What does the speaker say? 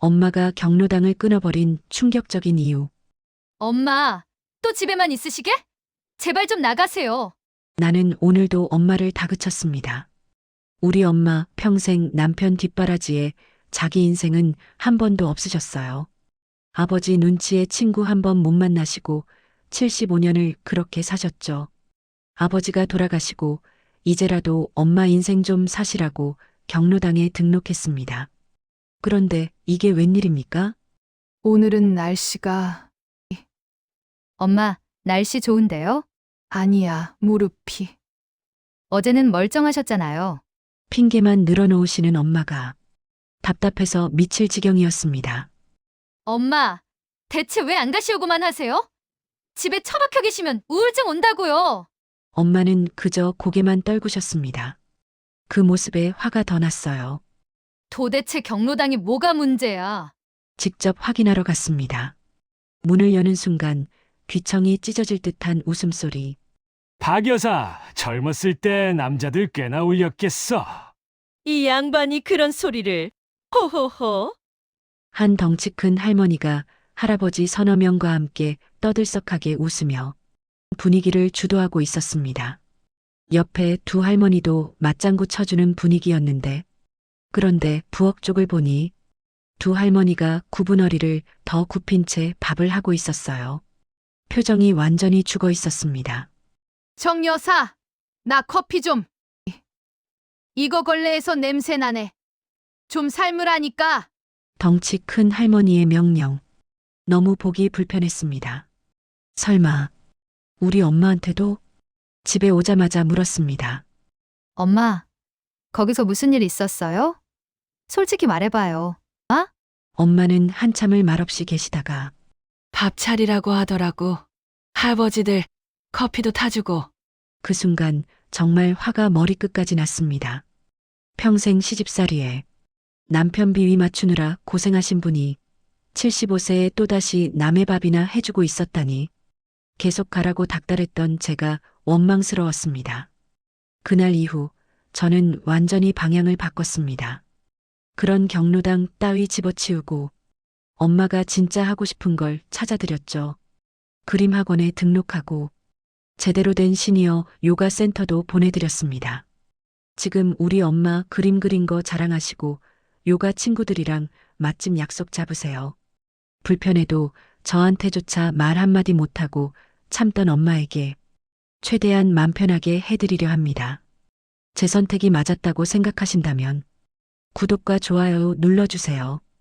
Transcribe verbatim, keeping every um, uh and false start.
엄마가 경로당을 끊어버린 충격적인 이유. 엄마, 또 집에만 있으시게? 제발 좀 나가세요. 나는 오늘도 엄마를 다그쳤습니다. 우리 엄마 평생 남편 뒷바라지에 자기 인생은 한 번도 없으셨어요. 아버지 눈치에 친구 한 번 못 만나시고 칠십오 년을 그렇게 사셨죠. 아버지가 돌아가시고 이제라도 엄마 인생 좀 사시라고 경로당에 등록했습니다. 그런데 이게 웬일입니까? 오늘은 날씨가 엄마, 날씨 좋은데요? 아니야, 무릎이. 어제는 멀쩡하셨잖아요. 핑계만 늘어놓으시는 엄마가 답답해서 미칠 지경이었습니다. 엄마, 대체 왜 안 가시오고만 하세요? 집에 처박혀 계시면 우울증 온다고요. 엄마는 그저 고개만 떨구셨습니다. 그 모습에 화가 더 났어요. 도대체 경로당이 뭐가 문제야? 직접 확인하러 갔습니다. 문을 여는 순간 귀청이 찢어질 듯한 웃음소리. 박 여사, 젊었을 때 남자들 꽤나 울렸겠어. 이 양반이 그런 소리를. 호호호. 한 덩치 큰 할머니가 할아버지 서너 명과 함께 떠들썩하게 웃으며 분위기를 주도하고 있었습니다. 옆에 두 할머니도 맞장구 쳐주는 분위기였는데, 그런데 부엌 쪽을 보니 두 할머니가 굽은 허리를 더 굽힌 채 밥을 하고 있었어요. 표정이 완전히 죽어 있었습니다. 정 여사, 나 커피 좀. 이거 걸레에서 냄새 나네. 좀 삶으라니까. 덩치 큰 할머니의 명령. 너무 보기 불편했습니다. 설마 우리 엄마한테도? 집에 오자마자 물었습니다. 엄마, 거기서 무슨 일 있었어요? 솔직히 말해봐요. 엄마는 한참을 말없이 계시다가 밥 차리라고 하더라고. 할아버지들 커피도 타주고. 그 순간 정말 화가 머리끝까지 났습니다. 평생 시집살이에 남편 비위 맞추느라 고생하신 분이 칠십오 세에 또다시 남의 밥이나 해주고 있었다니 계속 가라고 닥달했던 제가 원망스러웠습니다. 그날 이후 저는 완전히 방향을 바꿨습니다. 그런 경로당 따위 집어치우고 엄마가 진짜 하고 싶은 걸 찾아드렸죠. 그림 학원에 등록하고 제대로 된 시니어 요가 센터도 보내드렸습니다. 지금 우리 엄마 그림 그린 거 자랑하시고 요가 친구들이랑 맛집 약속 잡으세요. 불편해도 저한테조차 말 한마디 못하고 참던 엄마에게 최대한 맘 편하게 해드리려 합니다. 제 선택이 맞았다고 생각하신다면 구독과 좋아요 눌러주세요.